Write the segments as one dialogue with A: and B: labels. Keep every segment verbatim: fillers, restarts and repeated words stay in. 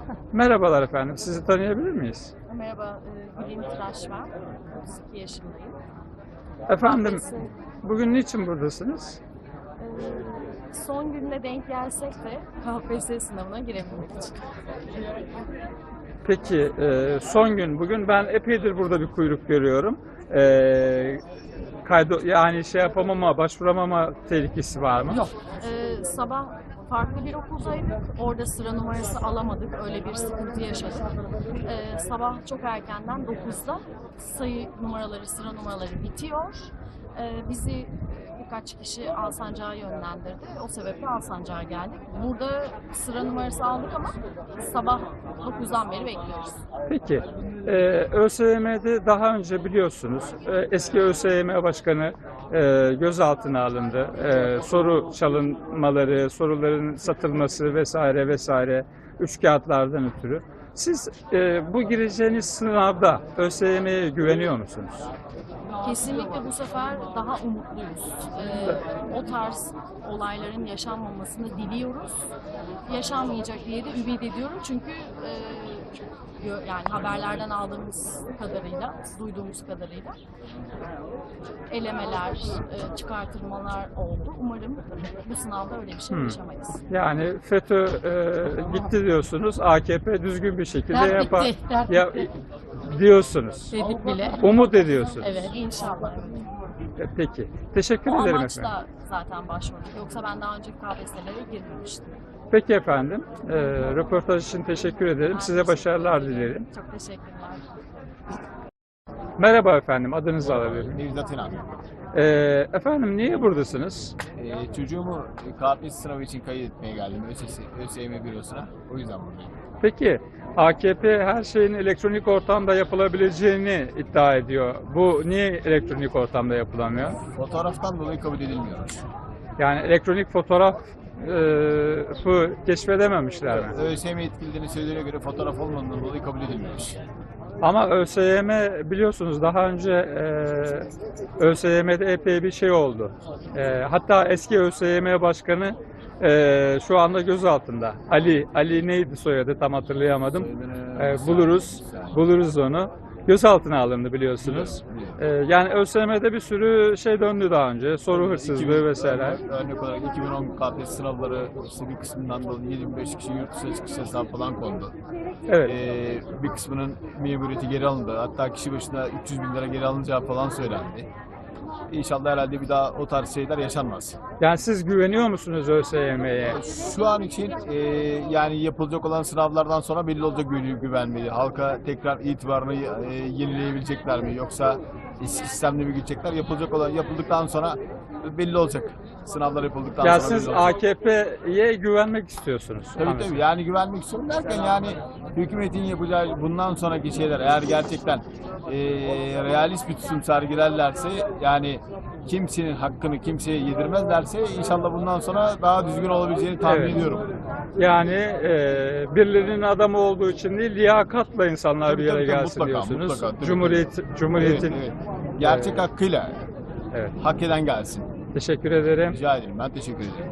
A: Merhabalar efendim, sizi tanıyabilir miyiz?
B: Merhaba, e, Gülin Tıraş ben. otuz iki yaşındayım.
A: Efendim,
B: Kahvesi,
A: bugün niçin buradasınız?
B: e, son gününe denk gelsek de K P S S sınavına girebilmek için.
A: Peki, e, son gün bugün ben epeydir burada bir kuyruk görüyorum. E, kaydo yani şey yapamama, başvuramama tehlikesi var mı?
B: Yok. E, sabah farklı bir okuldaydık. Orada sıra numarası alamadık. Öyle bir sıkıntı yaşadık. E, sabah çok erkenden dokuzda sayı numaraları, sıra numaraları bitiyor. E, bizi birkaç kişi Alsancak'a yönlendirdi. O sebeple Alsancak'a geldik. Burada sıra numarası aldık ama sabah dokuzdan beri bekliyoruz.
A: Peki, e, ÖSYM'de daha önce biliyorsunuz e, eski ÖSYM Başkanı e, gözaltına alındı. E, soru çalınmaları, soruların satılması vesaire vesaire üç kağıtlardan ötürü. Siz e, bu gireceğiniz sınavda ÖSYM'ye güveniyor musunuz?
B: Kesinlikle bu sefer daha umutluyuz. Ee, o tarz olayların yaşanmamasını diliyoruz. Yaşanmayacak diye de ümit ediyorum çünkü e, gö- yani haberlerden aldığımız kadarıyla, duyduğumuz kadarıyla elemeler, e, çıkartılmalar oldu. Umarım bu sınavda öyle bir şey
A: Hmm.
B: yaşamayız.
A: Yani FETÖ e, gitti diyorsunuz, A K P düzgün bir şekilde
B: Dert
A: yapar
B: bitti, dert
A: ya,
B: bitti.
A: diyorsunuz.
B: Dedik bile.
A: Umut ediyorsunuz.
B: Evet, inşallah.
A: E, Peki. Teşekkür
B: O
A: ederim
B: amaçla
A: efendim.
B: zaten başvurduk. Yoksa ben daha önce K P S S'lere girmemiştim.
A: Peki efendim. E, röportaj için teşekkür ederim.
B: Ben
A: Size
B: teşekkür
A: başarılar
B: ederim.
A: dilerim.
B: Çok teşekkürler.
A: Merhaba efendim. Adınızı alabilir miyim?
C: Nevzat İnan.
A: E, efendim niye buradasınız?
C: Ee, çocuğumu K P S S sınavı için kayıt etmeye geldim ÖSS, ÖSYM bürosuna. O yüzden buradayım.
A: Peki A K P her şeyin elektronik ortamda yapılabileceğini iddia ediyor. Bu niye elektronik ortamda yapılamıyor?
C: Fotoğraftan dolayı kabul edilmiyormuş.
A: Yani elektronik fotoğrafı keşfedememişler mi?
C: ÖSYM yetkililerinin söylediğine göre fotoğraf olmadığından dolayı kabul edilmiyormuş.
A: Ama ÖSYM biliyorsunuz daha önce e, ÖSYM'de epey bir şey oldu. E, hatta eski ÖSYM Başkanı e, şu anda gözaltında. Ali, Ali neydi soyadı tam hatırlayamadım. E, buluruz, buluruz onu. Gözaltına alındı biliyorsunuz. E, yani ÖSYM'de bir sürü şey döndü daha önce. Soru hırsızlığı vesaire.
C: Örnek, örnek olarak iki bin on K P S S sınavları işte bir kısmından dolayı yirmi beş kişi yurt dışına çıkış yasağı falan kondu.
A: Evet.
C: Ee, bir kısmının memuriyeti geri alındı. Hatta kişi başına üç yüz bin lira geri alınacağı falan söylendi. İnşallah herhalde bir daha o tarz şeyler yaşanmaz.
A: Yani siz güveniyor musunuz ÖSYM'ye?
C: Şu an için e, yani yapılacak olan sınavlardan sonra belli olacak gü- güven mi? Halka tekrar itibarını e, yenileyebilecekler mi? Yoksa eski sistemle mi gidecekler? Yapılacak olan yapıldıktan sonra belli olacak. Sınavlar yapıldıktan
A: Ya
C: sonra
A: siz
C: belli olacak.
A: A K P'ye güvenmek istiyorsunuz.
C: Tabii
A: Anladım.
C: tabii yani güvenmek istiyorum derken yani hükümetin yapacağı bundan sonraki şeyler eğer gerçekten e, realist bir tutum sergilerlerse yani kimsenin hakkını kimseye yedirmezlerse inşallah bundan sonra daha düzgün olabileceğini tahmin
A: Evet.
C: ediyorum.
A: Yani e, birilerinin adamı olduğu için değil, liyakatla insanlar
C: Tabii,
A: bir yere
C: tabii, tabii,
A: gelsin
C: mutlaka,
A: diyorsunuz.
C: mutlaka, tabii,
A: Cumhuriyet, Cumhuriyetin.
C: Evet, evet. Gerçek hakkıyla
A: Evet.
C: hak eden gelsin.
A: Teşekkür ederim.
C: Rica ederim. Ben teşekkür ederim.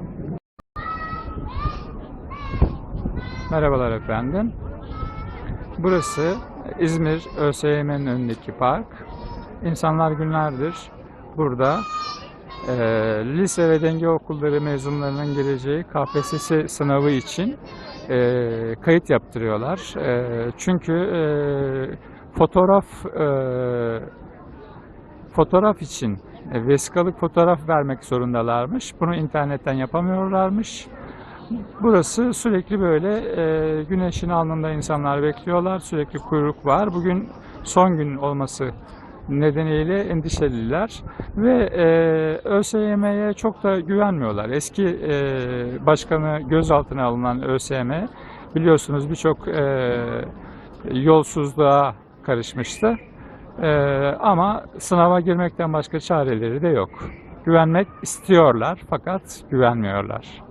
A: Merhabalar efendim. Burası İzmir ÖSYM'nin önündeki park. İnsanlar günlerdir burada e, lise ve denge okulları mezunlarının geleceği K P S S sınavı için e, kayıt yaptırıyorlar. E, çünkü e, fotoğraf e, fotoğraf için e, vesikalık fotoğraf vermek zorundalarmış. Bunu internetten yapamıyorlarmış. Burası sürekli böyle e, güneşin alnında insanlar bekliyorlar. Sürekli kuyruk var. Bugün son gün olması nedeniyle endişeliler ve e, ÖSYM'ye çok da güvenmiyorlar. Eski e, başkanı gözaltına alınan ÖSYM biliyorsunuz birçok e, yolsuzluğa karışmıştı. E, ama sınava girmekten başka çareleri de yok. Güvenmek istiyorlar fakat güvenmiyorlar.